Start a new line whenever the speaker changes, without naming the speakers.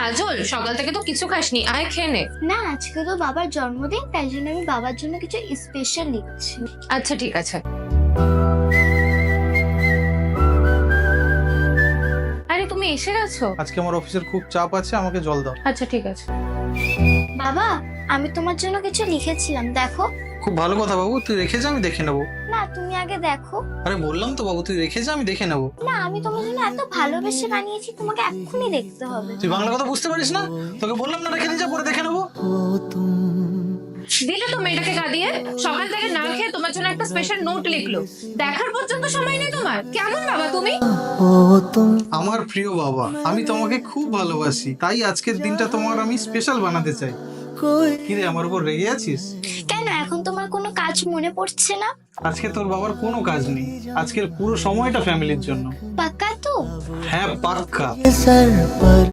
কাজল, সকাল থেকে তো কিছু খাসনি, আয় খেয়ে নে।
না, আজকে তো বাবার জন্মদিন, তাই জন্য আমি বাবার জন্য কিছু স্পেশাল লিখছি।
আচ্ছা ঠিক আছে। আরে তুমি এসে গেছো?
আজকে আমার অফিসের খুব চাপ আছে, আমাকে জল দাও।
আচ্ছা ঠিক আছে।
বাবা, আমি তোমার জন্য কিছু লিখেছিলাম, দেখো।
খুব ভালো কথা বাবু, তুই রেখে যা, আমি দেখে নেবো।
না, তুমি আগে দেখো।
আরে বললাম তো বাবু, তুই রেখে যা, আমি দেখে নেবো।
না, আমি তোমার জন্য এত ভালোবেসে বানিয়েছি, তোমাকে এক্ষুনি দেখতে হবে।
তুই বাংলা কথা বুঝতে পারিস না? তোকে বললাম না রেখে নিয়ে যা, পরে দেখে নেবো।
দিলে তো মেয়েটাকে কাঁদিয়ে, সকাল থেকে না খেয়ে তোমার জন্য একটা স্পেশাল নোট লিখলো, দেখার পর্যন্ত সময় নেই তোমার। কেমন বাবা তুমি?
আমার প্রিয় বাবা, আমি তোমাকে খুব ভালোবাসি, তাই আজকের দিনটা তোমার আমি স্পেশাল বানাতে চাই। কিরে, আমার উপর রেগে আছিস?
কেন, এখন তোমার কোনো কাজ মনে পড়ছে না?
আজকে তোর বাবার কোনো কাজ নেই, আজকের পুরো সময়টা ফ্যামিলির জন্য।
পাক্কা তো?
হ্যাঁ, পাক্কা।